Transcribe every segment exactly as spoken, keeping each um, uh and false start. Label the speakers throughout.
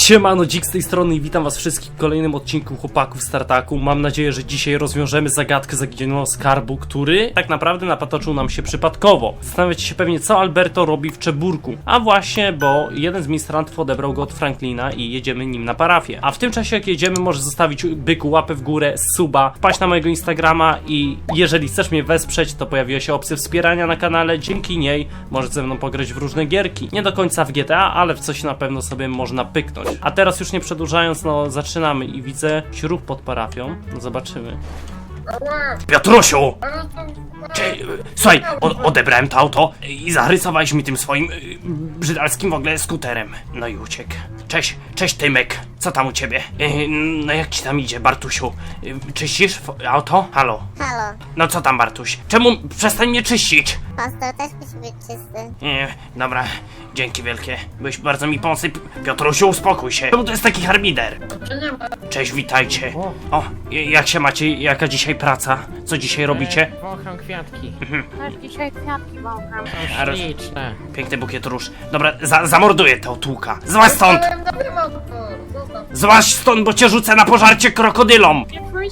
Speaker 1: Siemano, Dzik z tej strony i witam was wszystkich w kolejnym odcinku Chłopaków z Tartaku. Mam nadzieję, że dzisiaj rozwiążemy zagadkę zaginionego skarbu, który tak naprawdę napatoczył nam się przypadkowo. Zastanawiacie się pewnie, co Alberto robi w Czeburku. A właśnie, bo jeden z ministrantów odebrał go od Franklina i jedziemy nim na parafię. A w tym czasie, jak jedziemy, możesz zostawić byku łapę w górę, suba, wpaść na mojego Instagrama i jeżeli chcesz mnie wesprzeć, to pojawiła się opcja wspierania na kanale. Dzięki niej możesz ze mną pograć w różne gierki. Nie do końca w G T A, ale w coś na pewno sobie można pyknąć. A teraz już nie przedłużając, no zaczynamy i widzę śrub pod parafią. No zobaczymy. Piotrusiu! Cze Słuchaj, odebrałem to auto i zarysowałeś mi tym swoim yy, brzydalskim w ogóle skuterem. No i uciekł. Cześć, cześć Tymek. Co tam u ciebie? Yy, no jak ci tam idzie, Bartusiu? Yy, czyścisz auto? Halo?
Speaker 2: Halo.
Speaker 1: No co tam, Bartuś? Czemu przestań mnie czyścić?
Speaker 2: Pastor też musi być czysty.
Speaker 1: Nie, dobra, dzięki wielkie. Byłeś bardzo mi pomocny. Piotrusiu, uspokój się. Czemu to jest taki harmider? Cześć, witajcie. O, jak się macie? Jaka dzisiaj praca? Co dzisiaj robicie?
Speaker 3: Wącham kwiatki.
Speaker 2: Też dzisiaj kwiatki wącham.
Speaker 1: A,
Speaker 3: Śliczne.
Speaker 1: piękny bukiet róż. Dobra, za zamorduję to tłuka. Złaź stąd! Złaź stąd, bo cię rzucę na pożarcie krokodylom!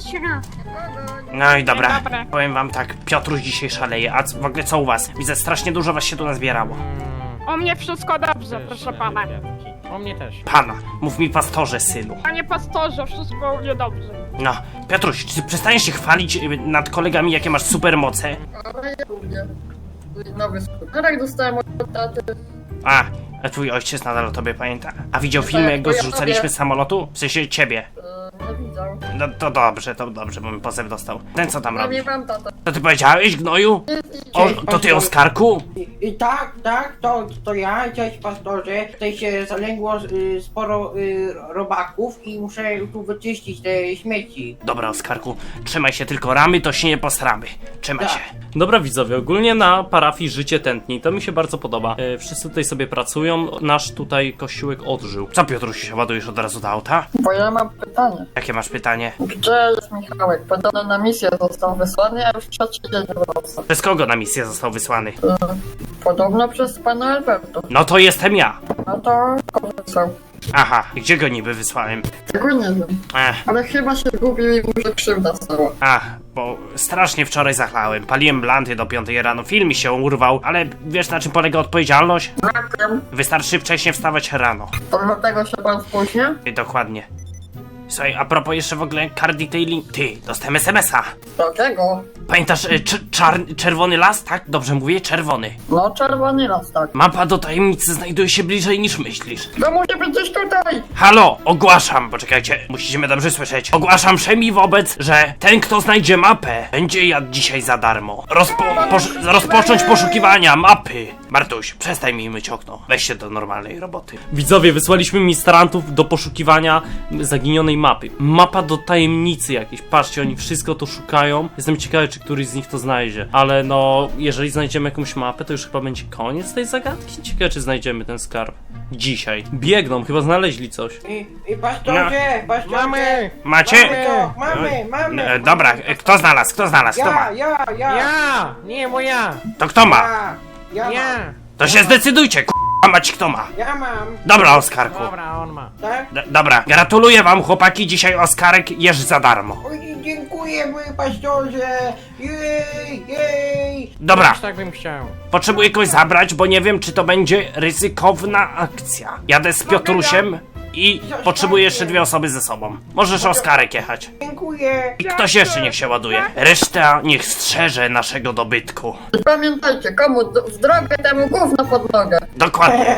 Speaker 1: No i dobra,
Speaker 3: Dobra.
Speaker 1: powiem wam tak, Piotruś dzisiaj szaleje, a w ogóle co u was? Widzę, strasznie dużo was się tu nazbierało.
Speaker 3: Mm,
Speaker 4: U mnie wszystko dobrze, proszę pana.
Speaker 3: Kwiatki. U mnie też.
Speaker 1: Pana, mów mi pastorze, synu.
Speaker 4: Panie pastorze, wszystko u mnie dobrze.
Speaker 1: No, Piotruś, czy przestaniesz się chwalić y, nad kolegami, jakie masz supermoce?
Speaker 5: Ale ja lubię. Nowy skuterek dostałem od taty.
Speaker 1: A, a twój ojciec nadal o tobie pamięta? A widział film, jak go zrzucaliśmy z samolotu? W sensie ciebie.
Speaker 5: Eee, nie widział.
Speaker 1: No to dobrze, to dobrze, bo mi pozew dostał. Ten co tam
Speaker 5: Ja
Speaker 1: robi?
Speaker 5: nie mam tata.
Speaker 1: To ty powiedziałeś, gnoju? O, to ty, Oskarku?
Speaker 6: I, I tak, tak, to, to ja, cześć pastorze. Tutaj się zalęgło y, sporo y, robaków i muszę tu wyczyścić te śmieci.
Speaker 1: Dobra, Oskarku, trzymaj się, tylko ramy to się nie posramy. Trzymaj
Speaker 6: Tak.
Speaker 1: się. Dobra widzowie, ogólnie na parafii życie tętni, to mi się bardzo podoba. E, wszyscy tutaj sobie pracują, nasz tutaj kościółek odżył. Co, Piotrusiu, się ładujesz od razu do auta?
Speaker 5: Bo ja mam pytanie.
Speaker 1: Jakie masz pytanie?
Speaker 5: Gdzie jest Michałek? Podobno na misję został wysłany, a już trzeci dzień wraca.
Speaker 1: Przez kogo na misję został wysłany?
Speaker 5: Eee, podobno przez pana Alberto.
Speaker 1: No to jestem ja.
Speaker 5: No to go wysłał.
Speaker 1: Aha, gdzie go niby wysłałem?
Speaker 5: Tego nie wiem.
Speaker 1: Ech,
Speaker 5: Ale chyba się zgubił i mu się krzywda stała.
Speaker 1: a, bo strasznie wczoraj zachlałem. Paliłem blanty do piątej rano, film mi się urwał, ale wiesz na czym polega odpowiedzialność?
Speaker 5: Brakiem.
Speaker 1: Wystarczy wcześniej wstawać rano.
Speaker 5: To dlatego się pan spóźnia?
Speaker 1: I dokładnie. Słuchaj, a propos jeszcze w ogóle car detailing. Ty, dostałem es em es a.
Speaker 5: Dlaczego?
Speaker 1: Pamiętasz y, cz- czar- czerwony las, tak? Dobrze mówię, czerwony.
Speaker 5: No czerwony las, tak.
Speaker 1: Mapa do tajemnicy znajduje się bliżej niż myślisz.
Speaker 5: To musi być gdzieś tutaj!
Speaker 1: Halo, ogłaszam, poczekajcie, musicie mnie dobrze słyszeć. Ogłaszam wszemi wobec, że ten kto znajdzie mapę, będzie jadł dzisiaj za darmo. Rozpo- posz- rozpocząć poszukiwania mapy. Bartuś, przestań mi myć okno. Weź się do normalnej roboty. Widzowie, wysłaliśmy ministrantów do poszukiwania zaginionej mapy. Mapa do tajemnicy jakiejś. Patrzcie, oni wszystko to szukają. Jestem ciekawy, czy któryś z nich to znajdzie. Ale no, jeżeli znajdziemy jakąś mapę, to już chyba będzie koniec tej zagadki. Ciekawe, czy znajdziemy ten skarb. Dzisiaj. Biegną, chyba znaleźli coś.
Speaker 6: I, i pastorze, pastorze.
Speaker 3: Mamy!
Speaker 1: Macie?
Speaker 6: Mamy to, mamy, mamy.
Speaker 1: E, dobra, e, kto znalazł? Kto znalazł? Kto ma?
Speaker 6: Ja, ja, ja.
Speaker 3: Ja! Nie, moja!
Speaker 1: To kto ma?
Speaker 6: Ja, ja mam.
Speaker 3: Ja!
Speaker 1: To się zdecydujcie, k***a mać kto ma.
Speaker 6: Ja mam,
Speaker 1: Dobra, Oskarku.
Speaker 3: Dobra, on ma.
Speaker 6: tak?
Speaker 1: D dobra, gratuluję wam chłopaki, dzisiaj Oskarek jesz za darmo.
Speaker 6: Oj, dziękuję, mój pastorze. Jej, jej.
Speaker 1: Dobra,
Speaker 3: Też tak bym chciał.
Speaker 1: potrzebuję kogoś zabrać, bo nie wiem, czy to będzie ryzykowna akcja. Jadę z Piotrusiem i potrzebuję jeszcze dwie osoby ze sobą. Możesz Oskarek jechać.
Speaker 6: Dziękuję.
Speaker 1: I ktoś jeszcze niech się ładuje. Reszta niech strzeże naszego dobytku.
Speaker 5: I pamiętajcie, komu d- w drogę, temu gówno pod nogę.
Speaker 1: Dokładnie.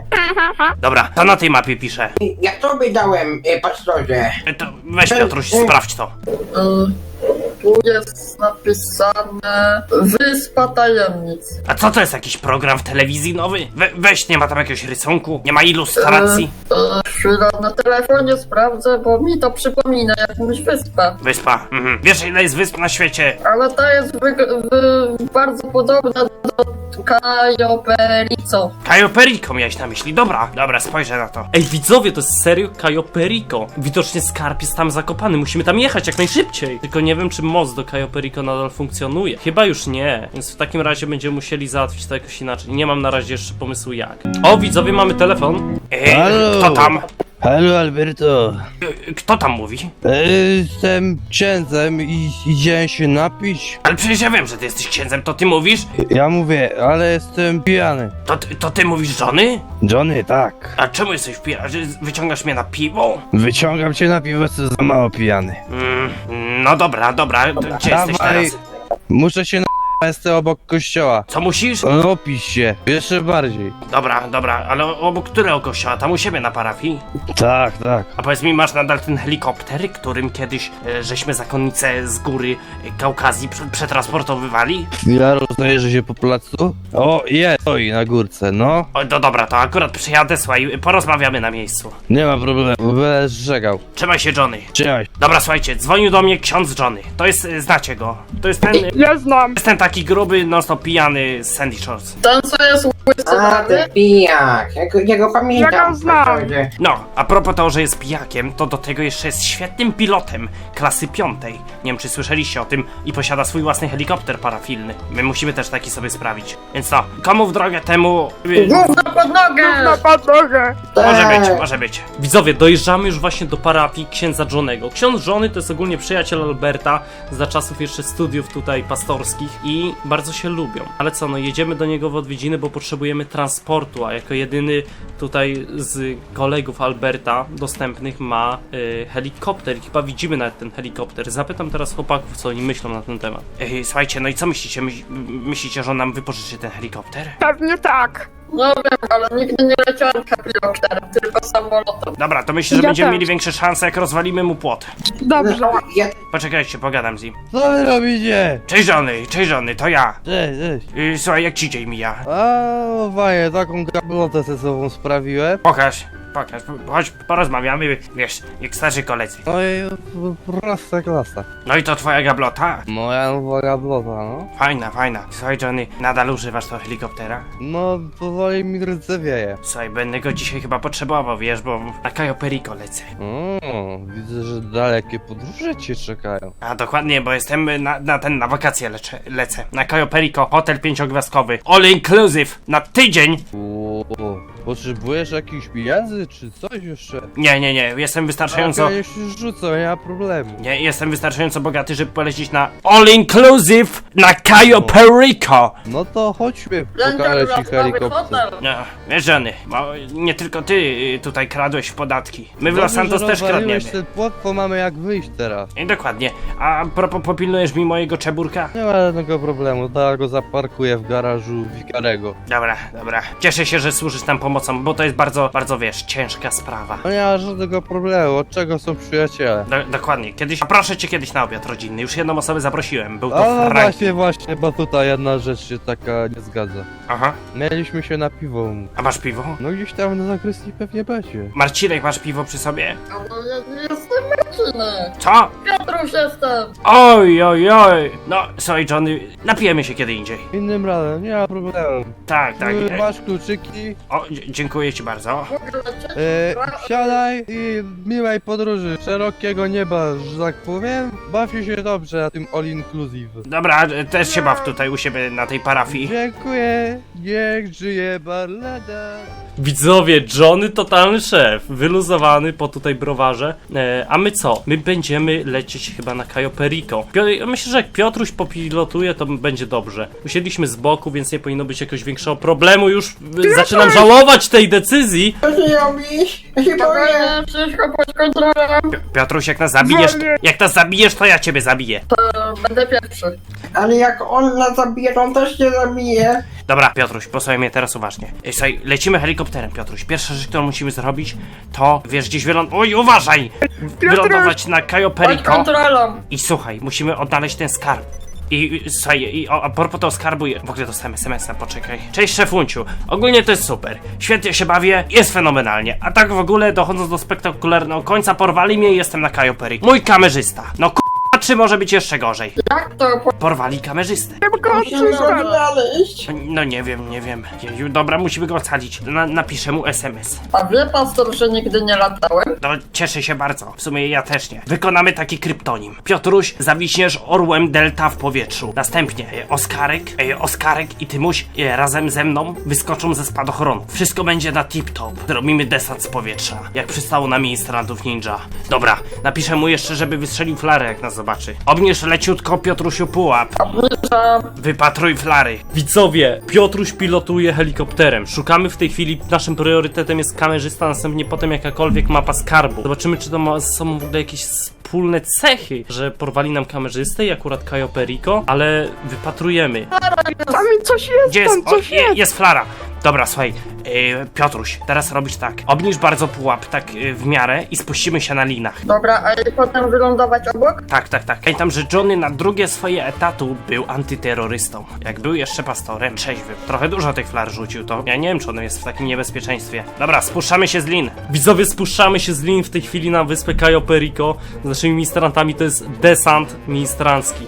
Speaker 1: Dobra, to na tej mapie piszę.
Speaker 6: Ja tobie dałem, e, pastorze.
Speaker 1: E, To weź Piotruś, sprawdź to.
Speaker 5: Yy, tu jest napisane Wyspa Tajemnic.
Speaker 1: A co to jest, jakiś program w telewizji nowy? We, weź, nie ma tam jakiegoś rysunku? Nie ma ilustracji?
Speaker 5: Yy, chwila, na telefonie sprawdzę, bo mi to przypomina jakąś wyspę.
Speaker 1: Wyspa. Mhm. Wiesz, ile jest wysp na świecie?
Speaker 5: Ale ta jest wy, wy, bardzo podobna do Cayo Perico.
Speaker 1: Cayo Perico miałeś na myśli. Dobra, dobra, spojrzę na to. Ej, widzowie, to jest serio Cayo Perico. Widocznie skarb jest tam zakopany. Musimy tam jechać jak najszybciej. Tylko nie wiem, czy most do Cayo Perico nadal funkcjonuje. Chyba już nie. Więc w takim razie będziemy musieli załatwić to jakoś inaczej. Nie mam na razie jeszcze pomysłu jak. O, widzowie, mamy telefon. Ej,
Speaker 7: Halo?
Speaker 1: kto tam?
Speaker 7: Halo Alberto,
Speaker 1: E, Kto tam mówi?
Speaker 7: e, jestem księdzem i idziemy się napić.
Speaker 1: Ale przecież ja wiem, że ty jesteś księdzem, to ty mówisz?
Speaker 7: Ja mówię, ale jestem pijany.
Speaker 1: To, ty- to ty mówisz żony?
Speaker 7: Johnny, tak.
Speaker 1: A czemu jesteś pijany? Że Wyciągasz mnie na piwo?
Speaker 7: Wyciągam cię na piwo, co za mało pijany.
Speaker 1: Mm, no dobra, dobra, to gdzie jesteś
Speaker 7: Dawaj.
Speaker 1: teraz?
Speaker 7: Muszę się na... Jestem obok kościoła.
Speaker 1: Co musisz?
Speaker 7: No, opisz się, jeszcze bardziej.
Speaker 1: Dobra, dobra, ale obok którego kościoła? Tam u siebie na parafii?
Speaker 7: Tak, tak.
Speaker 1: A powiedz mi, masz nadal ten helikopter, którym kiedyś e, żeśmy zakonnicę z góry e, Kaukazji prze- przetransportowywali?
Speaker 7: Ja rozdaję się po placu. O, jest, stoi na górce, no.
Speaker 1: O, no dobra, to akurat przyjadę, słuchaj, porozmawiamy na miejscu.
Speaker 7: Nie ma problemu, będę żegał.
Speaker 1: Trzymaj się, Johnny.
Speaker 7: Trzymaj.
Speaker 1: Dobra, słuchajcie, dzwonił do mnie ksiądz Johnny. To jest, e, znacie go. To jest ten, e,
Speaker 4: Ja znam.
Speaker 1: jest ten taki gruby, non stop pijany z Sandy Shores.
Speaker 5: Ten, co jest łysy,
Speaker 6: A,
Speaker 5: prawda?
Speaker 6: ten pijak, ja go, ja go pamiętam.
Speaker 4: Ja go znam.
Speaker 6: pastorze.
Speaker 1: No, a propos tego, że jest pijakiem, to do tego jeszcze jest świetnym pilotem klasy piątej. Nie wiem, czy słyszeliście o tym i posiada swój własny helikopter parafilny. My musimy też taki sobie sprawić. Więc no, komu w drogę temu... y,
Speaker 5: Gówno pod nogę!
Speaker 4: Na podłogę.
Speaker 1: Może
Speaker 6: Tak.
Speaker 1: być, może być. Widzowie, dojeżdżamy już właśnie do parafii księdza Johnego. Ksiądz Johnny to jest ogólnie przyjaciel Alberta za czasów jeszcze studiów tutaj pastorskich i bardzo się lubią. Ale co, no jedziemy do niego w odwiedziny, bo potrzebujemy transportu, a jako jedyny tutaj z kolegów Alberta dostępnych ma y, helikopter i chyba widzimy nawet ten helikopter. Zapytam teraz chłopaków, co oni myślą na ten temat. Ej, słuchajcie, no i co myślicie? Myśl, myślicie, że on nam wypożyczy ten helikopter?
Speaker 4: Pewnie tak.
Speaker 5: No wiem, ale nigdy nie leciałem helikopterem, tylko samolotem.
Speaker 1: Dobra, to myślę, że
Speaker 4: Ja
Speaker 1: będziemy
Speaker 4: też.
Speaker 1: mieli większe szanse, jak rozwalimy mu płot.
Speaker 4: Dobrze.
Speaker 6: No, ja,
Speaker 1: Poczekajcie, pogadam z nim.
Speaker 7: Co wy robicie?
Speaker 1: Cześć Johnny, cześć Johnny, to ja.
Speaker 7: Cześć, cześć.
Speaker 1: Yy, słuchaj, jak ci dzień mija?
Speaker 7: A, no fajnie, taką gablotę ze sobą sprawiłem.
Speaker 1: Pokaż, pokaż, chodź, porozmawiamy, wiesz, jak starzy koledzy.
Speaker 7: No i prosta klasa.
Speaker 1: No i to twoja gablota?
Speaker 7: Moja nowa gablota, no.
Speaker 1: Fajna, fajna. Słuchaj Johnny, nadal używasz tego helikoptera?
Speaker 7: No, powoli mi ręce wieje.
Speaker 1: Słuchaj, będę go dzisiaj chyba potrzebował, wiesz, bo na Cayo Perico lecę.
Speaker 7: O, widzę, że dalekie podróże cię czekają.
Speaker 1: A dokładnie, bo jestem na, na ten, na wakacje leczę, lecę. Na Cayo Perico, hotel pięciogwiazdkowy, all inclusive, na tydzień!
Speaker 7: O, potrzebujesz jakichś pieniędzy, czy coś jeszcze?
Speaker 1: Nie, nie, nie, jestem wystarczająco...
Speaker 7: Ja już rzucę, nie ma problemu.
Speaker 1: Nie, jestem wystarczająco bogaty, żeby polecieć na all inclusive na Cayo Perico!
Speaker 7: No to chodźmy,
Speaker 5: Będzie
Speaker 7: pokażę ci
Speaker 5: wracamy
Speaker 7: helikopter.
Speaker 1: No,
Speaker 5: hotel.
Speaker 1: wiesz Johnny, bo nie tylko ty y, tutaj kradłeś w podatki. My w Los
Speaker 7: Dobrze,
Speaker 1: Santos
Speaker 7: że
Speaker 1: też kradniemy.
Speaker 7: rozwaliłeś ten płot, to mamy jak wyjść teraz.
Speaker 1: I dokładnie. A propos, popilnujesz mi mojego czeburka?
Speaker 7: Nie ma żadnego problemu, to go zaparkuję w garażu Wikarego.
Speaker 1: Dobra, dobra. Cieszę się, że służysz nam pomocą, bo to jest bardzo, bardzo, wiesz, ciężka sprawa.
Speaker 7: No nie ma żadnego problemu, od czego są przyjaciele?
Speaker 1: Do, dokładnie. Kiedyś, a proszę cię kiedyś na obiad rodzinny. Już jedną osobę zaprosiłem. Był
Speaker 7: A
Speaker 1: to
Speaker 7: no
Speaker 1: Frank.
Speaker 7: właśnie, właśnie, bo tutaj jedna rzecz się taka nie zgadza.
Speaker 1: Aha.
Speaker 7: Mieliśmy się na piwo umówić.
Speaker 1: A masz piwo?
Speaker 7: No gdzieś tam na zakrystii pewnie będzie.
Speaker 1: Marcinek, masz piwo przy sobie?
Speaker 5: A no ja nie jestem Marcinek.
Speaker 1: Co?
Speaker 5: Piotruś jestem.
Speaker 1: Oj, oj, oj. No, sorry Johnny, napijemy się kiedy indziej.
Speaker 7: Innym razem, nie ma problemu.
Speaker 1: Tak, tak.
Speaker 7: Ty
Speaker 1: e,
Speaker 7: Masz kluczyki,
Speaker 1: O, dzie- dziękuję ci bardzo.
Speaker 5: Mogę lecieć?
Speaker 7: e, wsiadaj i miłej podróży, szerokiego nieba, że tak powiem. Bawię się dobrze na tym all inclusive.
Speaker 1: Dobra, e, też się baw tutaj u siebie na tej parafii.
Speaker 7: Dziękuję, niech żyje Barlada.
Speaker 1: Widzowie, Johnny totalny szef, wyluzowany po tutaj browarze. E, a my co? My będziemy lecieć chyba na Cayo Perico. Pio- myślę, że jak Piotruś popilotuje, to będzie dobrze. Usiedliśmy z boku, więc nie powinno być jakiegoś większego problemu. Już e, zaczynam żałować tej decyzji.
Speaker 6: co ty robisz? Ja się boję.
Speaker 5: Spokojnie, wszystko pod kontrolą.
Speaker 1: Pi- Piotruś, jak nas zabijesz, to,
Speaker 4: Wolnie.
Speaker 1: jak nas zabijesz, to ja ciebie zabiję.
Speaker 5: E, Będę pierwszy.
Speaker 6: Ale jak on nas zabije, to on też się zabije.
Speaker 1: Dobra, Piotruś, posłuchaj mnie teraz uważnie. Ej, słuchaj, lecimy helikopterem, Piotruś. Pierwsza rzecz, którą musimy zrobić, to wiesz, gdzieś wyląd... Oj, uważaj! Wylądować na Cayo
Speaker 5: Pod
Speaker 1: Perico.
Speaker 5: kontrolą.
Speaker 1: I słuchaj, musimy odnaleźć ten skarb. I i, słuchaj, i o, a propos tego skarbu, w ogóle dostałem es em es a, poczekaj. Cześć szefunciu, ogólnie to jest super. Świetnie się bawię, jest fenomenalnie. A tak w ogóle, dochodząc do spektakularnego końca, porwali mnie i jestem na Cayo Perico. Mój kamerzysta. No k***a, czy może być jeszcze gorzej?
Speaker 5: Jak to?
Speaker 1: Porwali kamerzystę.
Speaker 6: Musimy go znaleźć.
Speaker 1: No nie wiem, nie wiem. Jeju, dobra, musimy go ocalić. Na, napiszę mu es em es.
Speaker 5: A wie pastor, że nigdy nie latałem?
Speaker 1: No, cieszę się bardzo. W sumie ja też nie. Wykonamy taki kryptonim. Piotruś, zawiśniesz orłem Delta w powietrzu. Następnie e, Oskarek, e, Oskarek i Tymuś e, razem ze mną wyskoczą ze spadochronu. Wszystko będzie na tip-top. Zrobimy desant z powietrza. Jak przystało na ministrantów ninja. Dobra, napiszę mu jeszcze, żeby wystrzelił flarę, jak nas zobaczy. Obniż leciutko, Piotrusiu, pułap.
Speaker 5: Obniżam.
Speaker 1: Wypatruj flary. Widzowie, Piotruś pilotuje helikopterem. Szukamy w tej chwili, naszym priorytetem jest kamerzysta, następnie potem jakakolwiek mapa skarbu. Zobaczymy, czy to ma ze sobą w ogóle jakieś wspólne cechy, że porwali nam kamerzystę i akurat Cayo Perico, ale wypatrujemy.
Speaker 4: Tam mi coś jest,
Speaker 1: Gdzie jest?
Speaker 4: tam coś
Speaker 1: O, je,
Speaker 4: jest.
Speaker 1: jest flara. Dobra, słuchaj, yy, Piotruś, teraz robisz tak. Obniż bardzo pułap, tak yy, w miarę i spuścimy się na linach.
Speaker 5: Dobra, a i potem wylądować obok?
Speaker 1: Tak, tak, tak. Pamiętam, że Johnny na drugie swoje etatu był antyterrorystą. Jak był jeszcze pastorem, trzeźwym. Trochę dużo tych flar rzucił, to ja nie wiem, czy on jest w takim niebezpieczeństwie. Dobra, spuszczamy się z lin. Widzowie, spuszczamy się z lin w tej chwili na wyspę Cayo Perico. Z naszymi ministrantami to jest desant ministrancki.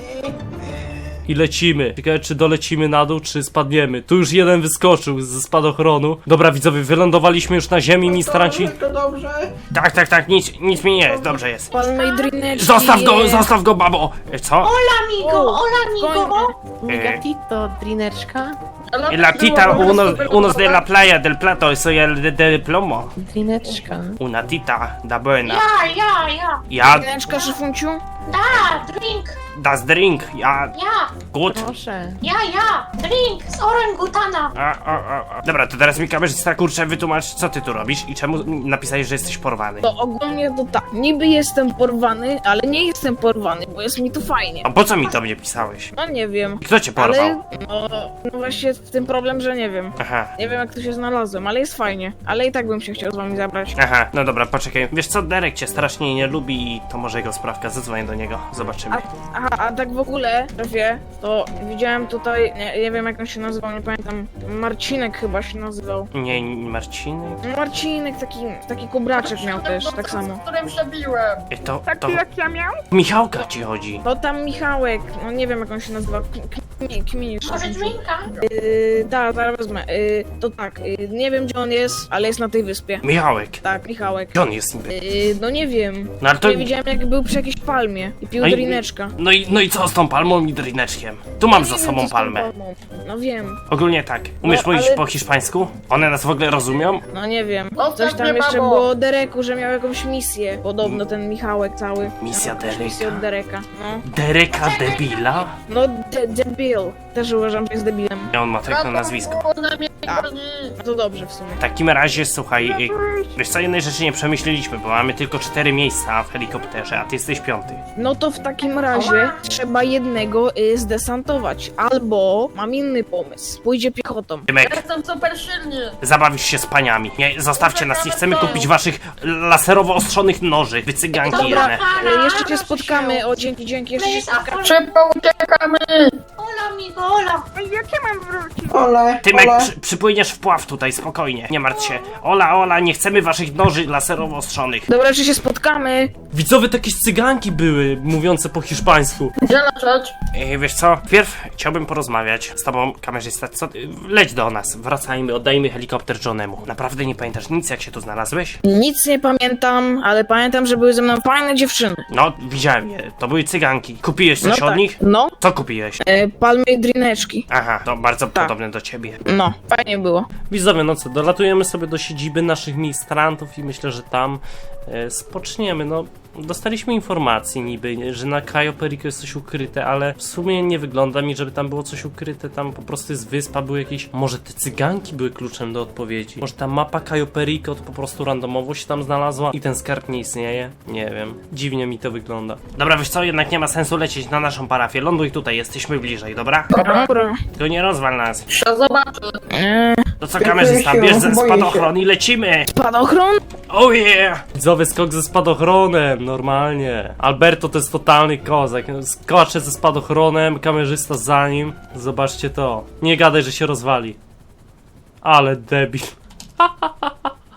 Speaker 1: I lecimy. Ciekawe, czy dolecimy na dół, czy spadniemy. Tu już jeden wyskoczył ze spadochronu. Dobra, widzowie, wylądowaliśmy już na ziemi, ministranci.
Speaker 6: To dobrze.
Speaker 1: Tak, tak, tak, nic, nic mi nie jest, dobrze jest.
Speaker 8: Palmej drineczki.
Speaker 1: Zostaw go, zostaw go, babo! E, Co?
Speaker 2: Amigo, hola amigo.
Speaker 1: Eh.
Speaker 8: Gatito, drineczka.
Speaker 1: La tita uno, unos de la playa del plato, soy el de, de plomo.
Speaker 8: Drineczka.
Speaker 1: Una tita da buena.
Speaker 2: Ja, ja, ja.
Speaker 1: Ja,
Speaker 8: Drineczka, szyfunciu?
Speaker 2: Da, drink.
Speaker 1: das drink, ja,
Speaker 2: Ja,
Speaker 1: gut.
Speaker 8: Proszę.
Speaker 2: ja, ja. Drink z orangutana.
Speaker 1: A, a, a, a. Dobra, to teraz mi kamerzysta, kurczę, wytłumacz, co ty tu robisz i czemu napisałeś, że jesteś porwany.
Speaker 8: To ogólnie to tak, niby jestem porwany, ale nie jestem porwany, bo jest mi tu fajnie.
Speaker 1: A po co mi to mnie pisałeś?
Speaker 8: No nie wiem.
Speaker 1: Kto cię porwał?
Speaker 8: Ale no, no właśnie w tym problem, że nie wiem.
Speaker 1: Aha.
Speaker 8: Nie wiem jak tu się znalazłem, ale jest fajnie. Ale i tak bym się chciał z wami zabrać.
Speaker 1: Aha, no dobra, poczekaj. Wiesz co, Derek cię strasznie nie lubi i to może jego sprawka. Zadzwonię do niego, zobaczymy.
Speaker 8: A, aha, a tak w ogóle, szefie, to widziałem tutaj, nie, nie wiem jak on się nazywał, nie pamiętam. Marcinek chyba się nazywał.
Speaker 1: Nie, Marcinek?
Speaker 8: Marcinek, taki, taki kubraczek miał też, tak samo.
Speaker 5: Z którym się biłem.
Speaker 1: E, To, to
Speaker 4: Taki jak ja miał?
Speaker 1: Michałka ci chodzi.
Speaker 8: To tam Michałek, no nie wiem jak on się nazywa, Kmi- Kminisz.
Speaker 2: Może drinka?
Speaker 8: Yy, tak, zaraz wezmę. Yy, to tak, yy, nie wiem gdzie on jest, ale jest na tej wyspie.
Speaker 1: Michałek.
Speaker 8: Tak, Michałek.
Speaker 1: Gdzie on jest niby?
Speaker 8: Yy, no nie wiem.
Speaker 1: No ale to...
Speaker 8: Nie widziałem jak był przy jakiejś palmie i pił
Speaker 1: No i-
Speaker 8: drineczka.
Speaker 1: No i, no i co z tą palmą i drineczkiem? Tu mam
Speaker 8: Nie
Speaker 1: za
Speaker 8: wiem,
Speaker 1: sobą
Speaker 8: co z tą
Speaker 1: palmę.
Speaker 8: palmą. No wiem,
Speaker 1: Ogólnie tak. Umiesz
Speaker 8: No,
Speaker 1: mówić
Speaker 8: ale-
Speaker 1: po hiszpańsku? One nas w ogóle rozumią?
Speaker 8: no nie wiem.
Speaker 5: No,
Speaker 8: Coś
Speaker 5: tak
Speaker 8: tam
Speaker 5: nie
Speaker 8: jeszcze
Speaker 5: babo.
Speaker 8: było o Dereku, że miał jakąś misję. Podobno ten Michałek cały.
Speaker 1: Misja
Speaker 8: Miał jakąś
Speaker 1: Dereka.
Speaker 8: misję od Dereka. No,
Speaker 1: Dereka debila?
Speaker 8: no de debil. Też uważam, że jest debilem.
Speaker 1: I on ma tak na nazwisko.
Speaker 8: A. No to dobrze w sumie.
Speaker 1: W takim razie, słuchaj, y, wiesz co, jednej rzeczy nie przemyśleliśmy, bo mamy tylko cztery miejsca w helikopterze, a ty jesteś piąty.
Speaker 8: No to w takim razie trzeba jednego y, zdesantować. Albo mam inny pomysł. Pójdzie piechotą.
Speaker 1: Tymek,
Speaker 5: Jestem super silny.
Speaker 1: zabawisz się z paniami. Nie, zostawcie nas, nie chcemy kupić waszych laserowo ostrzonych noży, wy cyganki
Speaker 8: Dobra,
Speaker 1: jedne.
Speaker 8: y, jeszcze się spotkamy. O, dzięki, dzięki, jeszcze się spotkamy.
Speaker 5: Szybko uciekamy.
Speaker 2: Hola amigo, hola.
Speaker 4: A jak ja mam wrócić?
Speaker 6: Ole,
Speaker 1: Tymek,
Speaker 6: ole.
Speaker 1: przy, przypłyniesz w pław tutaj, spokojnie, nie martw się. Ola, Ola, nie chcemy waszych noży laserowo ostrzonych.
Speaker 8: Dobra, czy się spotkamy?
Speaker 1: Widzowie, to jakieś cyganki były, mówiące po hiszpańsku.
Speaker 5: Gdzie lecieć?
Speaker 1: Ej, wiesz co, wpierw chciałbym porozmawiać z tobą, kamerzysta, co ty, leć do nas, wracajmy, oddajmy helikopter Johnemu. Naprawdę nie pamiętasz nic, jak się tu znalazłeś?
Speaker 8: Nic nie pamiętam, ale pamiętam, że były ze mną fajne dziewczyny.
Speaker 1: No, widziałem je, to były cyganki. Kupiłeś coś
Speaker 8: No
Speaker 1: od
Speaker 8: tak.
Speaker 1: nich?
Speaker 8: No,
Speaker 1: Co kupiłeś?
Speaker 8: e, palmy i drineczki.
Speaker 1: Aha, to bardzo
Speaker 8: Tak.
Speaker 1: podobne do ciebie.
Speaker 8: No, fajnie było.
Speaker 1: Widzowie, no co, dolatujemy sobie do siedziby naszych ministrantów i myślę, że tam e, spoczniemy, no. Dostaliśmy informacji niby, że na Cayo Perico jest coś ukryte, ale w sumie nie wygląda mi, żeby tam było coś ukryte, tam po prostu jest wyspa, były jakieś, może te cyganki były kluczem do odpowiedzi, może ta mapa Cayo Perico to po prostu randomowo się tam znalazła i ten skarb nie istnieje, nie wiem, dziwnie mi to wygląda. Dobra, wiesz co, jednak nie ma sensu lecieć na naszą parafię, ląduj tutaj, jesteśmy bliżej, dobra?
Speaker 8: Dobra.
Speaker 1: Tylko nie rozwal nas.
Speaker 5: Się zobaczy.
Speaker 8: Eee,
Speaker 1: To co, kamerzysta,
Speaker 6: się,
Speaker 1: bierz ze
Speaker 6: boję
Speaker 1: spadochron i lecimy!
Speaker 8: spadochron?
Speaker 1: Oh yeah! Widzowie, skok ze spadochronem, normalnie. Alberto to jest totalny kozak. Skoczę ze spadochronem, kamerzysta za nim. Zobaczcie to. Nie gadaj, że się rozwali. Ale debil.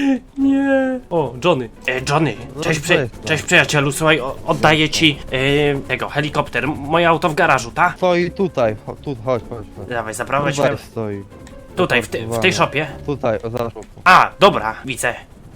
Speaker 1: Nie. O, Johnny. E, Johnny, cześć, przy, cześć przyjacielu, słuchaj, o, oddaję ci e, tego, helikopter. Moje auto w garażu, ta?
Speaker 7: Stoi tutaj, cho- tu, chodź, chodź, chodź.
Speaker 1: Dawaj, zaprowadź
Speaker 7: Tutaj
Speaker 1: mnie.
Speaker 7: stoi.
Speaker 1: Tutaj, w, ty, w tej szopie.
Speaker 7: Tutaj, o, zaraz.
Speaker 1: A, dobra, widzę.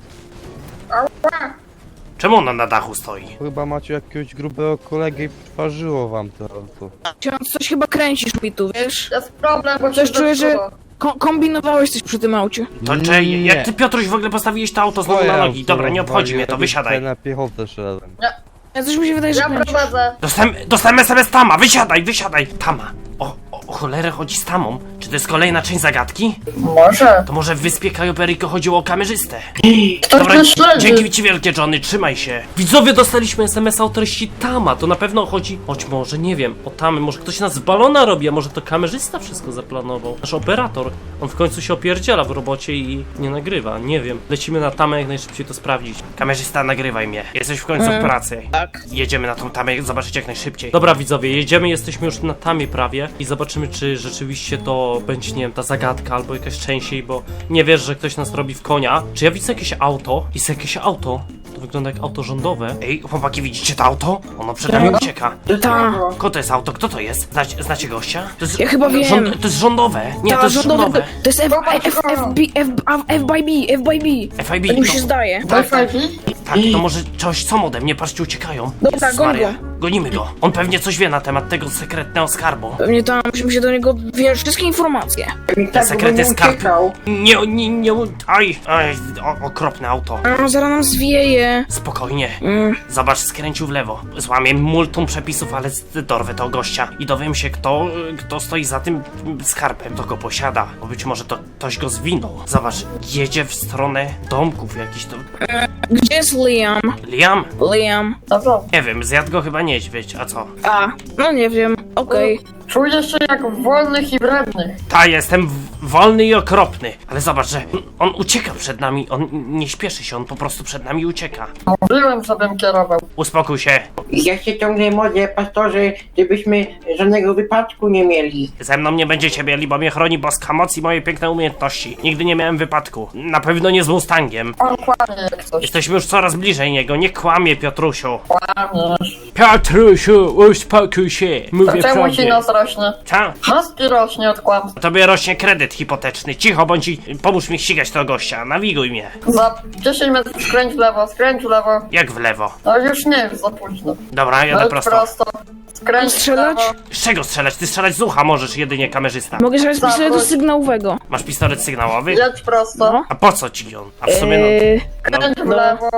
Speaker 1: Czemu ona na dachu stoi?
Speaker 7: Chyba macie jakiegoś grubego kolegę i przyparzyło wam to auto.
Speaker 8: Ksiądz, coś chyba kręcisz mi tu, wiesz?
Speaker 5: Jest problem, bo
Speaker 8: Coś
Speaker 5: się
Speaker 8: czuję, że
Speaker 5: zepsuło.
Speaker 8: ko kombinowałeś coś przy tym aucie.
Speaker 1: To czy, jak ty Piotruś w ogóle postawiłeś to auto znowu na nogi? Dobra, nie obchodzi mnie to, wysiadaj.
Speaker 7: Na piechotę szedłem.
Speaker 8: Ja coś mi się wydaje, że
Speaker 5: Ja
Speaker 8: kręcisz.
Speaker 5: prowadzę.
Speaker 1: Dostałem, dostałem es em es Tama, wysiadaj, wysiadaj! Tama. O, o, o cholerę chodzi z Tamą. Czy to jest kolejna część zagadki?
Speaker 5: Może.
Speaker 1: To może w wyspie Cayo Perico chodziło o kamerzystę.
Speaker 5: Ktoś
Speaker 1: Dobra,
Speaker 5: mnie śledzi.
Speaker 1: dzięki ci wielkie, Johnny, trzymaj się. Widzowie, dostaliśmy es em es a o treści Tama, to na pewno chodzi, choć może, nie wiem, o Tamy, może ktoś nas z balona robi, a może to kamerzysta wszystko zaplanował. Nasz operator, on w końcu się opierdziela w robocie i nie nagrywa, nie wiem. Lecimy na Tamę jak najszybciej to sprawdzić. Kamerzysta, nagrywaj mnie, jesteś w końcu w pracy.
Speaker 8: Tak.
Speaker 1: Jedziemy na tą Tamę, zobaczyć jak najszybciej. Dobra widzowie, jedziemy, jesteśmy już na Tamie prawie i zobaczymy, czy rzeczywiście to będzie, nie wiem, ta zagadka albo jakaś częściej, bo nie wiesz, że ktoś nas robi w konia. Czy ja widzę jakieś auto? Jest jakieś auto? To wygląda jak auto rządowe. Ej, chłopaki, widzicie to auto? Ono przed nami ucieka.
Speaker 8: Ta.
Speaker 1: Kto to jest auto? Kto to jest? Znacie, znacie gościa? To jest,
Speaker 8: Ja chyba wiem.
Speaker 1: Rząd, to jest rządowe. Nie,
Speaker 8: Ta,
Speaker 1: to jest
Speaker 8: rządowy,
Speaker 1: rządowe.
Speaker 8: To, to jest F, F, F, F, B, F, F by B, F by B.
Speaker 1: F I B.
Speaker 8: Tak mi się
Speaker 1: To,
Speaker 8: zdaje.
Speaker 1: tak, tak,
Speaker 5: Wi-Fi?
Speaker 1: tak, to może coś co ode mnie, patrzcie, uciekają.
Speaker 8: Dobra,
Speaker 1: Jezus
Speaker 8: goń
Speaker 1: Maria.
Speaker 8: go.
Speaker 1: Gonimy go. On pewnie coś wie na temat tego sekretnego skarbu.
Speaker 8: Pewnie tam musimy się do niego, wiesz, wszystkie informacje.
Speaker 6: I tak
Speaker 1: sekret
Speaker 6: by
Speaker 1: jest
Speaker 6: nie
Speaker 1: skarb.
Speaker 6: uciekał.
Speaker 1: Nie, nie, nie, aj, aj, o, okropne auto.
Speaker 8: A, zaraz nam zwieje.
Speaker 1: Spokojnie.
Speaker 8: Mm.
Speaker 1: Zobacz, skręcił w lewo. Złamię multum przepisów, ale dorwę tego gościa. I dowiem się, kto, kto stoi za tym skarbem, kto go posiada. Bo być może to ktoś go zwinął. Zobacz, jedzie w stronę domków jakiś to...
Speaker 8: Gdzie jest Liam?
Speaker 1: Liam?
Speaker 8: Liam.
Speaker 5: Dobra.
Speaker 1: Nie wiem, zjadł go chyba niedźwiedź, a co?
Speaker 8: A, no nie wiem. Okej.
Speaker 5: Czuję się jak wolnych i wrednych.
Speaker 1: Ta, jestem w- wolny i okropny. Ale zobacz, że on ucieka przed nami. On nie śpieszy się, on po prostu przed nami ucieka.
Speaker 5: Mówiłem, żebym kierował.
Speaker 1: Uspokój się.
Speaker 6: I ja się ciągle modlę, pastorze, żebyśmy żadnego wypadku nie mieli.
Speaker 1: Ze mną nie będziecie mieli, bo mnie chroni boska moc i moje piękne umiejętności. Nigdy nie miałem wypadku. Na pewno nie z Mustangiem.
Speaker 5: On kłamie jak coś.
Speaker 1: Jesteśmy już coraz bliżej niego. Nie kłamie, Piotrusiu.
Speaker 5: Kłamiesz.
Speaker 1: Piotrusiu, uspokój się.
Speaker 5: To
Speaker 1: Mówię
Speaker 5: czemu ci
Speaker 1: prawdę.
Speaker 5: nas rośnie?
Speaker 1: Co?
Speaker 5: Husky rośnie od kłamstw.
Speaker 1: Tobie rośnie kredyt hipoteczny. Cicho bądź i pomóż mi ścigać tego gościa. Nawiguj mnie.
Speaker 5: Za dziesięć metrów skręć w lewo, skręć w lewo.
Speaker 1: Jak w lewo.
Speaker 5: No już nie, już za późno.
Speaker 1: Dobra, jadę
Speaker 5: Leć
Speaker 1: prosto.
Speaker 5: prosto. Skręć w
Speaker 8: Strzelać?
Speaker 5: lewo.
Speaker 1: Z czego strzelać? Ty strzelać z ucha możesz, jedynie kamerzysta.
Speaker 8: Mogę strzelać z
Speaker 5: Zawróć.
Speaker 8: pistoletu sygnałowego.
Speaker 1: Masz pistolet sygnałowy?
Speaker 5: Jedź prosto.
Speaker 8: No.
Speaker 1: A po co ci on? A w sumie
Speaker 8: Eee,
Speaker 1: no...
Speaker 5: Skręć w
Speaker 8: no.
Speaker 5: lewo.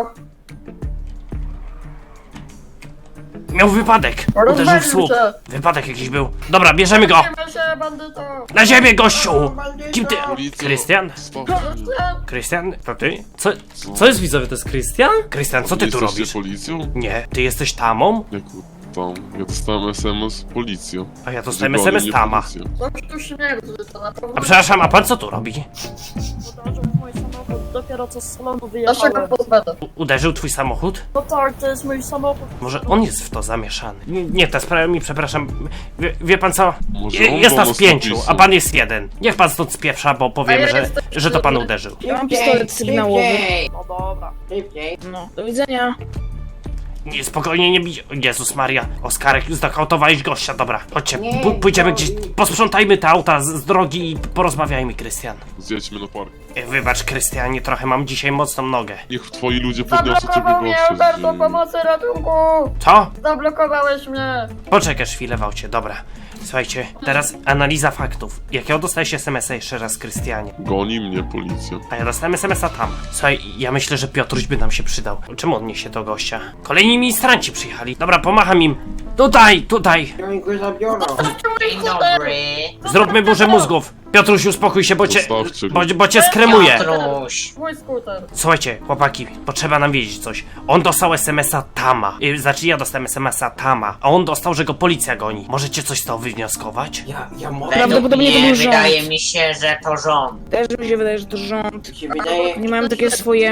Speaker 1: Miał wypadek. Uderzył w
Speaker 5: Rozwalił
Speaker 1: słup.
Speaker 5: się.
Speaker 1: Wypadek jakiś był. Dobra, bierzemy go.
Speaker 5: Trzymaj się, bandyto.
Speaker 1: Na ziemię, gościu! Kim ty?
Speaker 9: Policjo,
Speaker 1: Krystian?
Speaker 9: spokojnie.
Speaker 1: Krystian? To ty? Co, co jest widzowie, to jest Krystian? Krystian, co ty tu
Speaker 9: Jesteście
Speaker 1: robisz?
Speaker 9: policją?
Speaker 1: Nie, ty jesteś Tamą?
Speaker 9: Jaku tam? Ja dostałem es em es policją.
Speaker 1: A ja dostałem
Speaker 9: Że
Speaker 1: es em es
Speaker 9: goni
Speaker 1: Tama.
Speaker 9: policję.
Speaker 5: Coś tu śmierdzi, to na pewno.
Speaker 1: A przepraszam, a pan co tu robi?
Speaker 10: Uderzył w mój samochód, dopiero co z salonu
Speaker 5: Ja się go
Speaker 10: wyjechałem.
Speaker 5: pozbędę.
Speaker 1: U- uderzył twój samochód?
Speaker 10: No tak, to jest mój samochód.
Speaker 1: Może on jest w to zamieszany? Nie, nie ta sprawa mi, przepraszam. Wie, wie pan co?
Speaker 9: Może
Speaker 1: Je,
Speaker 9: on
Speaker 1: jest
Speaker 9: go
Speaker 1: nas pięciu,
Speaker 9: nastawił.
Speaker 1: a pan jest jeden. Niech pan stąd spieprza, bo powiemy,
Speaker 5: A ja
Speaker 1: że,
Speaker 5: jestem
Speaker 1: że to pan
Speaker 5: szybki.
Speaker 1: uderzył.
Speaker 8: Ja mam pistolet sygnałowy.
Speaker 6: Szybciej,
Speaker 10: No dobra.
Speaker 6: szybciej.
Speaker 8: No, do widzenia.
Speaker 1: Nie, spokojnie, nie bij. Jezus Maria, Oskarek, znokautowałeś gościa, dobra. Chodźcie,
Speaker 6: Nie,
Speaker 1: p- pójdziemy
Speaker 6: to-
Speaker 1: gdzieś, posprzątajmy te auta z, z drogi i porozmawiajmy, Krystian.
Speaker 9: Zjedźmy na park.
Speaker 1: E, Wybacz, Krystianie, trochę mam dzisiaj mocną nogę.
Speaker 9: Niech twoi ludzie podniosą ciebie
Speaker 5: Zablokował mnie,
Speaker 9: gościa.
Speaker 5: Alberto, pomocy, ratunku!
Speaker 1: Co?
Speaker 5: Zablokowałeś mnie!
Speaker 1: Poczekasz chwilę, Wałcie, dobra. Słuchajcie, teraz analiza faktów. Jakiego dostałeś es em es a jeszcze raz, Krystianie?
Speaker 9: Goni mnie policja.
Speaker 1: A ja dostałem es em es a tam. Słuchaj, ja myślę, że Piotruś by nam się przydał. Czemu on niesie do gościa? Kolejni ministranci przyjechali. Dobra, pomacham im. Tutaj, tutaj.
Speaker 6: Oni go zabiorą.
Speaker 5: Dzień dobry!
Speaker 1: Zróbmy burzę mózgów. Piotruś, uspokój się, bo cię,
Speaker 9: Zostawcie go.
Speaker 1: bo, bo cię skremuję.
Speaker 5: Mój skuter.
Speaker 1: Słuchajcie, chłopaki, potrzeba nam wiedzieć coś. On dostał es em es a Tama. Yy, znaczy ja dostałem es em es a Tama, a on dostał, że go policja goni. Możecie coś z tego wywnioskować?
Speaker 6: Ja, ja mogę.
Speaker 8: Prawdopodobnie to był rząd.
Speaker 11: Wydaje mi się, że to rząd.
Speaker 8: Też mi się wydaje, że to rząd.
Speaker 6: Mi się wydaje.
Speaker 8: Nie mają takie swoje mm,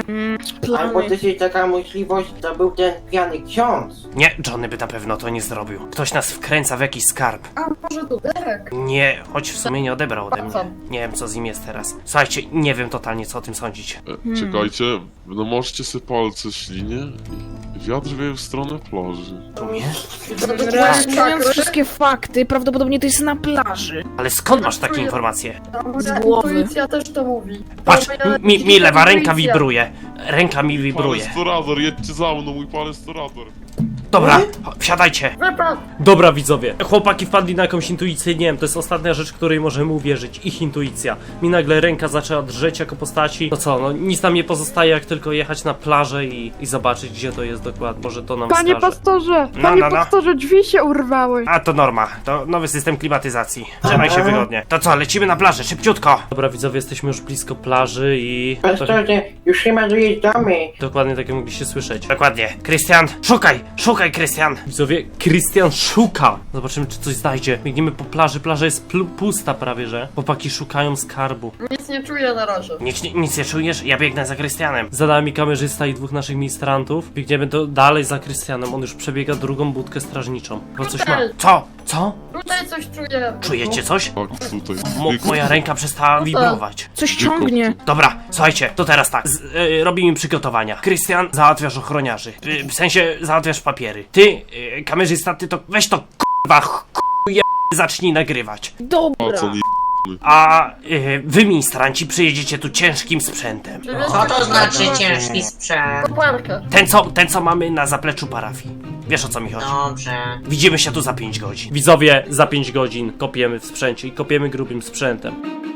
Speaker 6: Albo
Speaker 8: Plany.
Speaker 6: też jest taka możliwość, to był ten pijany ksiądz.
Speaker 1: Nie, Johnny by na pewno to nie zrobił. Ktoś nas wkręca w jakiś skarb.
Speaker 5: A może tu Derek?
Speaker 1: Nie, choć w sumie nie odebrał ode mnie. Nie wiem, co z nim jest teraz. Słuchajcie, nie wiem totalnie, co o tym sądzić.
Speaker 9: E, czekajcie, no możecie sobie palce ślinie i wiatr wieje w stronę plaży.
Speaker 8: Reasumując wszystkie fakty, prawdopodobnie to jest na plaży.
Speaker 1: Ale skąd masz takie informacje?
Speaker 5: Moja
Speaker 8: głowy.
Speaker 5: intuicja też to mówi.
Speaker 1: Patrz,
Speaker 5: Moja
Speaker 1: mi, mi lewa ręka
Speaker 5: intuicja.
Speaker 1: wibruje. Ręka mi wibruje.
Speaker 9: Palestorador, jedźcie za mną, mój palestorador.
Speaker 1: Dobra, wsiadajcie.
Speaker 5: Wypad!
Speaker 1: Dobra widzowie, chłopaki wpadli na jakąś intuicję, nie wiem, to jest ostatnia rzecz, której możemy uwierzyć, ich intuicja. Mi nagle ręka zaczęła drżeć jako postaci, no co, no nic nam nie pozostaje jak tylko jechać na plażę i, i zobaczyć gdzie to jest dokładnie, może to nam
Speaker 4: Panie
Speaker 1: wskaże.
Speaker 4: pastorze,
Speaker 1: No,
Speaker 4: panie
Speaker 1: no, no.
Speaker 4: pastorze, drzwi się urwały.
Speaker 1: A to norma, to nowy system klimatyzacji. Trzymaj się wygodnie. To co, lecimy na plażę, szybciutko! Dobra widzowie, jesteśmy już blisko plaży i...
Speaker 6: Pastorze, już chyba dojeżdżamy.
Speaker 1: Dokładnie tak jak mogliście słyszeć. Dokładnie. Krystian, szukaj! Szukaj, Krystian! Widzowie, Krystian szuka! Zobaczymy, czy coś znajdzie. Biegniemy po plaży, plaża jest pl- pusta prawie, że. Chłopaki szukają skarbu.
Speaker 5: Nic nie czuję na razie.
Speaker 1: Nic, nic nie czujesz? Ja biegnę za Krystianem. Za nami kamerzysta i dwóch naszych ministrantów. Biegniemy do, dalej za Krystianem. On już przebiega drugą budkę strażniczą. Bo coś ma. Co? Co?
Speaker 5: Tutaj coś czuję.
Speaker 1: Czujecie coś?
Speaker 9: Tak, tutaj.
Speaker 1: Mo moja ręka przestała wibrować.
Speaker 8: Coś ciągnie.
Speaker 1: Dobra, słuchajcie, to teraz tak. Z, y, robimy przygotowania. Krystian, załatwiasz ochroniarzy. Y, w sensie, załatwiasz papiery. Ty, y, kamerzysta, ty to weź to k***wa, k***je, zacznij nagrywać.
Speaker 8: Dobra.
Speaker 9: Pacon i
Speaker 1: A y, wy, ministranci, przyjedziecie tu ciężkim sprzętem.
Speaker 5: Co
Speaker 6: to znaczy ciężki sprzęt?
Speaker 5: Koparkę.
Speaker 1: Ten co, ten, co mamy na zapleczu parafii. Wiesz o co mi chodzi?
Speaker 6: Dobrze.
Speaker 1: Widzimy się tu za pięć godzin. Widzowie, za pięć godzin kopiemy w sprzęcie i kopiemy grubym sprzętem.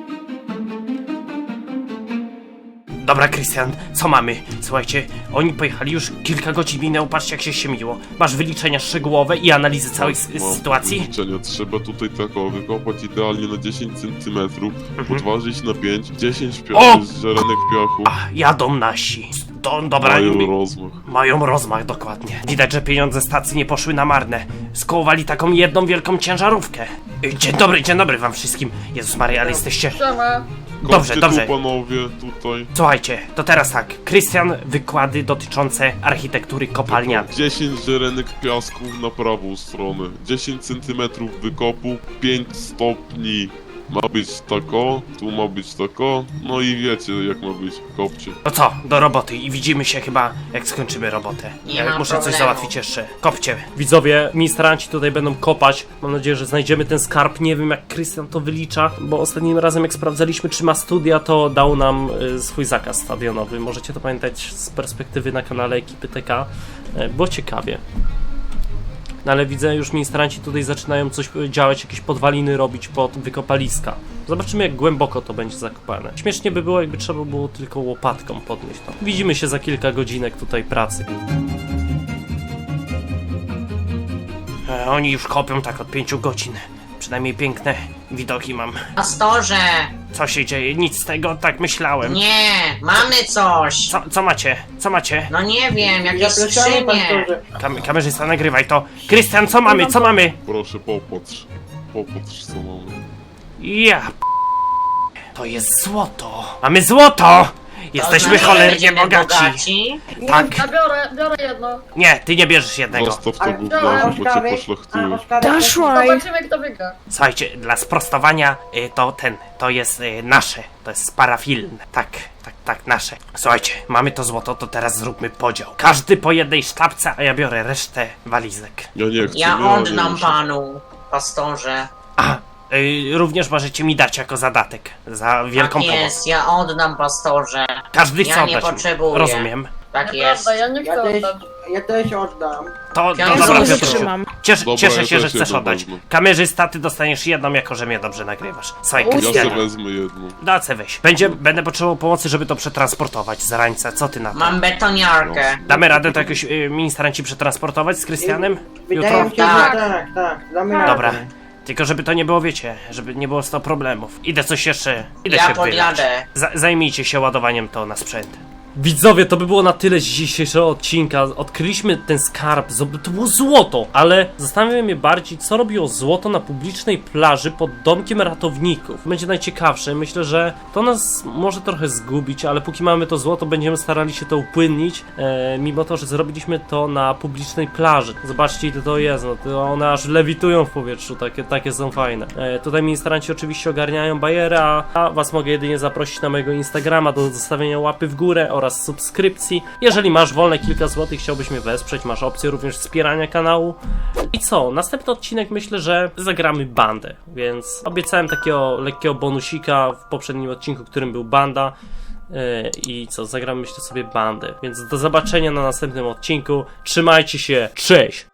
Speaker 1: Dobra, Krystian, co mamy? Słuchajcie, oni pojechali już kilka godzin minęło, patrzcie jak się ściemniło. Masz wyliczenia szczegółowe i analizy całej s-
Speaker 9: Mam
Speaker 1: sytuacji?
Speaker 9: wyliczenia. Trzeba tutaj taką wykopać idealnie na dziesięć centymetrów,
Speaker 1: Mhm.
Speaker 9: podważyć na pięć, dziesięć
Speaker 1: O!
Speaker 9: piachów z ziarenek piachu.
Speaker 1: A, jadą nasi. Do, dobra,
Speaker 9: Mają
Speaker 1: mi-
Speaker 9: rozmach.
Speaker 1: mają rozmach, dokładnie. Widać, że pieniądze stacji nie poszły na marne. Skołowali taką jedną wielką ciężarówkę. Y, Dzień dobry, dzień dobry wam wszystkim. Jezus Maria, ale jesteście...
Speaker 5: Siema.
Speaker 1: Dobrze,
Speaker 9: Kopcie
Speaker 1: dobrze.
Speaker 9: tu, panowie, tutaj.
Speaker 1: Słuchajcie, to teraz tak. Krystian, wykłady dotyczące architektury kopalnianej.
Speaker 9: dziesięć ziarenek piasku na prawą stronę, dziesięć centymetrów wykopu, pięć stopni ma być tako, tu ma być tako, no i wiecie jak ma być, kopcie.
Speaker 1: No co, do roboty i widzimy się chyba jak skończymy robotę.
Speaker 6: Nie
Speaker 1: Ja
Speaker 6: ma
Speaker 1: muszę coś
Speaker 6: problemu.
Speaker 1: załatwić jeszcze. Kopcie. Widzowie, ministranci tutaj będą kopać. Mam nadzieję, że znajdziemy ten skarb. Nie wiem jak Krystian to wylicza, bo ostatnim razem jak sprawdzaliśmy czy ma studia, to dał nam y, swój zakaz stadionowy. Możecie to pamiętać z perspektywy na kanale ekipy T K, y, bo ciekawie. No ale widzę, już ministranci tutaj zaczynają coś y, działać, jakieś podwaliny robić pod wykopaliska. Zobaczymy jak głęboko to będzie zakopane. Śmiesznie by było jakby trzeba było tylko łopatką podnieść to. Widzimy się za kilka godzinek tutaj pracy. E, oni już kopią tak od pięciu godzin. Przynajmniej piękne widoki mam.
Speaker 6: Pastorze,
Speaker 1: Co się dzieje? Nic z tego, tak myślałem.
Speaker 6: nie, mamy coś.
Speaker 1: Co, co macie? Co macie?
Speaker 6: No nie wiem, jakieś skrzynie.
Speaker 1: Kam kamerzysta, nagrywaj to. Krystian, co mamy? Co mamy?
Speaker 9: Proszę popatrz, popatrz co mamy.
Speaker 1: Ja p... To jest złoto. Mamy złoto! Jesteśmy cholernie bogaci. Tak.
Speaker 5: Ja biorę, biorę jedno.
Speaker 1: Nie, ty nie bierzesz jednego.
Speaker 9: Zostaw to
Speaker 6: Ale-
Speaker 9: gówniarzu, bo cię
Speaker 6: Oskary,
Speaker 9: poszlachtują.
Speaker 8: Daszłaj.
Speaker 5: Zobaczymy kto wygra.
Speaker 1: Słuchajcie, dla sprostowania y, to ten, to jest y, nasze, to jest parafilne. Tak, tak, tak, nasze. Słuchajcie, mamy to złoto, to teraz zróbmy podział. Każdy po jednej sztabce, a ja biorę resztę walizek.
Speaker 9: Ja nie chcę,
Speaker 6: Ja
Speaker 9: nie
Speaker 6: oddam
Speaker 9: muszę.
Speaker 6: panu, pastorze.
Speaker 1: A, y, również możecie mi dać jako zadatek za wielką
Speaker 6: Tak
Speaker 1: pomoc.
Speaker 6: jest, ja oddam, pastorze.
Speaker 1: Każdy chce
Speaker 6: Ja nie
Speaker 1: oddać mi.
Speaker 6: potrzebuję.
Speaker 1: Rozumiem.
Speaker 6: Tak jest.
Speaker 5: Nieprawda, ja nie chcę
Speaker 6: Ja też-
Speaker 5: oddać.
Speaker 6: Ja też oddam.
Speaker 1: To, to
Speaker 6: Ja
Speaker 1: dobra,
Speaker 6: znowu
Speaker 1: Piotrusiu.
Speaker 8: trzymam.
Speaker 1: Ciesz,
Speaker 9: Dobra,
Speaker 1: cieszę
Speaker 9: ja
Speaker 1: się, że
Speaker 9: też
Speaker 1: chcesz
Speaker 9: jedną
Speaker 1: oddać.
Speaker 9: wezmę.
Speaker 1: Kamerzysta, ty dostaniesz jedną, jako że mnie dobrze nagrywasz. Słuchaj,
Speaker 9: Ja
Speaker 1: Krystianie,
Speaker 9: sobie wezmę jedną.
Speaker 1: dacę weź. Będzie, będę potrzebował pomocy, żeby to przetransportować z rańca. Co ty na to?
Speaker 6: Mam betoniarkę.
Speaker 1: Damy radę to jakoś y, ministranci przetransportować z Krystianem?
Speaker 6: Wydaje
Speaker 1: Jutro?
Speaker 6: mi się, że tak, tak. Damy radę.
Speaker 1: Dobra. Tylko żeby to nie było, wiecie, żeby nie było sto problemów. Idę coś jeszcze, idę
Speaker 6: Ja
Speaker 1: się wylać.
Speaker 6: podjadę.
Speaker 1: Za, zajmijcie się ładowaniem to na sprzęt. Widzowie, to by było na tyle z dzisiejszego odcinka. Odkryliśmy ten skarb, zob- to było złoto, ale zastanawiam mnie bardziej, co robiło złoto na publicznej plaży pod domkiem ratowników. Będzie najciekawsze, myślę, że to nas może trochę zgubić, ale póki mamy to złoto, będziemy starali się to upłynnić, e, mimo to, że zrobiliśmy to na publicznej plaży. Zobaczcie, ile to jest, no to one aż lewitują w powietrzu, takie, takie są fajne. E, tutaj ministranci oczywiście ogarniają bajerę, a, a was mogę jedynie zaprosić na mojego Instagrama do zostawienia łapy w górę oraz subskrypcji. Jeżeli masz wolne kilka złotych, chciałbyś mnie wesprzeć, masz opcję również wspierania kanału. I co? Następny odcinek myślę, że zagramy bandę, więc obiecałem takiego lekkiego bonusika w poprzednim odcinku, którym był banda. Yy, I co? Zagramy myślę sobie bandę, więc do zobaczenia na następnym odcinku. Trzymajcie się, cześć!